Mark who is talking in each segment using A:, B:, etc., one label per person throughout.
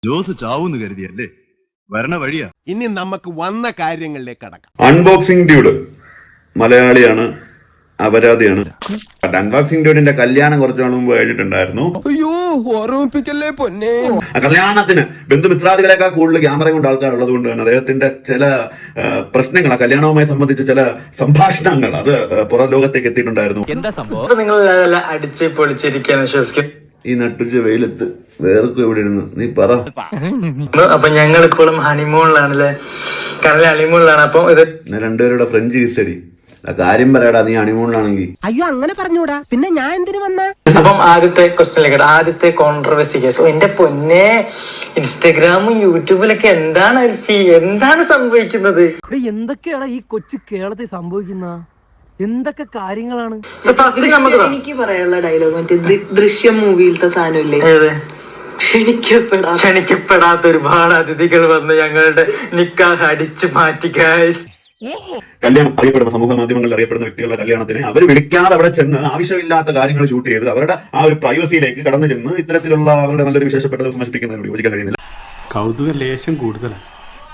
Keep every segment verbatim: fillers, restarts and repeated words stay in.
A: ജോസ് ചാവൂന്ന് കരുതിയല്ലേ, വരണ വഴിയാ.
B: ഇനി നമുക്ക് വന്ന കാര്യങ്ങളിലേക്ക് കടക്കാം.
C: അൺബോക്സിംഗ് ഡ്യൂഡ് മലയാളിയാണ്, അപരാധിയാണ്. അൺബോക്സിംഗ് ഡ്യൂഡിന്റെ കല്യാണം കുറച്ചു നാൾ മുമ്പ് കഴിഞ്ഞിട്ടുണ്ടായിരുന്നു.
B: അയ്യോ, ഓർമ്മിപ്പിക്കല്ലേ പൊന്നെ.
C: ആ കല്യാണത്തിന് ബന്ധുമിത്രാദികളെക്കാൾ കൂടുതൽ ക്യാമറ കൊണ്ട് ആൾക്കാരുള്ളത് കൊണ്ട് തന്നെ അദ്ദേഹത്തിന്റെ ചില പ്രശ്നങ്ങൾ, ആ കല്യാണവുമായി സംബന്ധിച്ച ചില സംഭാഷണങ്ങൾ അത് പുറം ലോകത്തേക്ക് എത്തിയിട്ടുണ്ടായിരുന്നു.
D: എന്താ സംഭവം? നിങ്ങൾ അടിച്ച് പൊളിച്ചിരിക്കാന്ന് വിശ്വസിക്കും.
C: ഈ നട്ടുച്ച വെയിലത്ത് വേർക്കും എവിടെ ഇരുന്നു നീ പറ.
D: അപ്പൊ ഞങ്ങൾ ഇപ്പോഴും ഹണിമൂണിലാണല്ലേ, കടലിൽ ഹണിമൂണിലാണ്. അപ്പൊ ഇത്
C: രണ്ടുപേരുടെ ഫ്രഞ്ച് കിസ്സടി കാര്യം പറയടാ, നീ ഹണിമൂണിലാണെങ്കിൽ.
E: അയ്യോ അങ്ങനെ പറഞ്ഞൂടാ, പിന്നെ ഞാൻ എന്തിനു വന്ന.
D: അപ്പം ആദ്യത്തെ ക്വസ്റ്റ്യനിലേക്ക്, ആദ്യത്തെ കോൺട്രവേഴ്സി കേസ്. എന്റെ പൊന്നെ, ഇൻസ്റ്റഗ്രാമും യൂട്യൂബിലൊക്കെ എന്താണ് അൽഫി, എന്താണ് സംഭവിക്കുന്നത്?
F: എന്തൊക്കെയാണ് ഈ കൊച്ചു കേരളത്തിൽ സംഭവിക്കുന്ന എന്തൊക്കെ കാര്യങ്ങളാണ്?
G: എനിക്ക് പറയാനുള്ള ഡയലോഗ് മറ്റേ ദൃശ്യം മൂവിയിലത്തെ സാധനമില്ലേ, ക്ഷണിക്കപ്പെടാ
D: ക്ഷണിക്കപ്പെടാത്ത ഒരുപാട് അതിഥികൾ വന്ന് ഞങ്ങളുടെ നിക്കാഹ് അടിച്ചു മാറ്റി ഗൈസ്.
C: കല്യാണം അറിയപ്പെടുന്ന സമൂഹ മാധ്യമങ്ങളിൽ അറിയപ്പെടുന്ന വ്യക്തികളുടെ കല്യാണത്തിന് അവർ വിളിക്കാതെ അവിടെ ചെന്ന് ആവശ്യമില്ലാത്ത കാര്യങ്ങൾ ഷൂട്ട് ചെയ്ത് അവരുടെ ആ ഒരു പ്രൈവസിയിലേക്ക് കടന്നു ചെന്ന് ഇത്തരത്തിലുള്ള അവരുടെ നല്ലൊരു വിശേഷപ്പെട്ട ദിവസം നശിപ്പിക്കുന്നതിനോട് യോജിക്കാൻ കഴിയുന്നില്ല.
H: കൗതുക ലേശം കൂടുതലാണ്.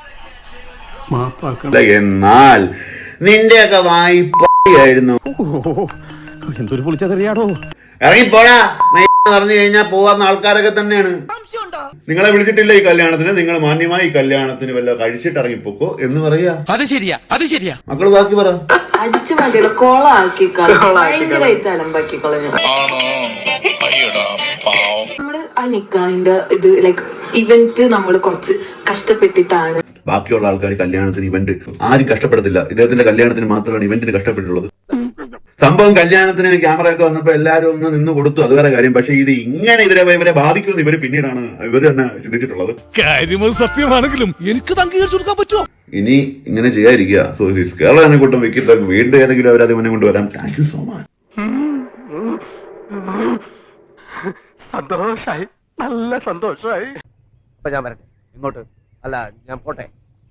C: എന്നാൽ നിന്റെയൊക്കെ വായ്പായിരുന്നു.
H: എന്തൊരു പൊളിച്ചതറിയാടോ.
C: ഇറങ്ങിപ്പോടാ പറഞ്ഞു കഴിഞ്ഞാൽ പോവാന്ന ആൾക്കാരൊക്കെ തന്നെയാണ്. നിങ്ങളെ വിളിച്ചിട്ടില്ല ഈ കല്യാണത്തിന്, നിങ്ങൾ മാന്യമായി ഈ കല്യാണത്തിന് വല്ല കഴിച്ചിട്ട് ഇറങ്ങിപ്പോക്കോ എന്ന് പറയാ.
B: അത് ശരിയാ, അത് ശരിയാ.
C: മക്കള് ബാക്കി പറ.
G: അടിച്ചു മാറ്റിയുള്ള കോളാക്കി ഭയങ്കരമായിട്ട് അലമ്പാക്കി കളഞ്ഞു. നമ്മള് ആ നിക്കാഹിന്റെ ഇത് ലൈക്ക് ഇവന്റ് നമ്മള് കുറച്ച് കഷ്ടപ്പെട്ടിട്ടാണ്.
C: ബാക്കിയുള്ള ആൾക്കാർ കല്യാണത്തിന് ഇവന്റ് ആരും കഷ്ടപ്പെടത്തില്ല, ഇദ്ദേഹത്തിന്റെ കല്യാണത്തിന് മാത്രമാണ് ഇവന്റിന് കഷ്ടപ്പെട്ടിട്ടുള്ളത്. സംഭവം കല്യാണത്തിന് ക്യാമറ ഒക്കെ വന്നപ്പോ എല്ലാരും ഒന്ന് നിന്ന് കൊടുത്തു, അത് വേറെ കാര്യം. പക്ഷെ ഇത് ഇങ്ങനെ ഇവരെ ഇവരെ ബാധിക്കുമെന്ന് ഇവര് പിന്നീടാണ് ഇവര് തന്നെ ചിന്തിച്ചിട്ടുള്ളത്.
B: കാര്യം സത്യമാണെങ്കിലും എനിക്ക് അംഗീകരിച്ചു കൊടുക്കാൻ പറ്റുമോ?
C: ഇനി ഇങ്ങനെ ചെയ്യാതിരിക്കുക. സോ കേരളനെ കൂട്ടം വെക്കില്ല, വീണ്ടും ഏതെങ്കിലും അവരത് മുന്നേ കൊണ്ടുവരാം. Thank you so much.
H: സന്തോഷായി, നല്ല സന്തോഷായി.
E: ഞാൻ വരട്ടെ ഇങ്ങോട്ട്, അല്ല ഞാൻ പോട്ടെ.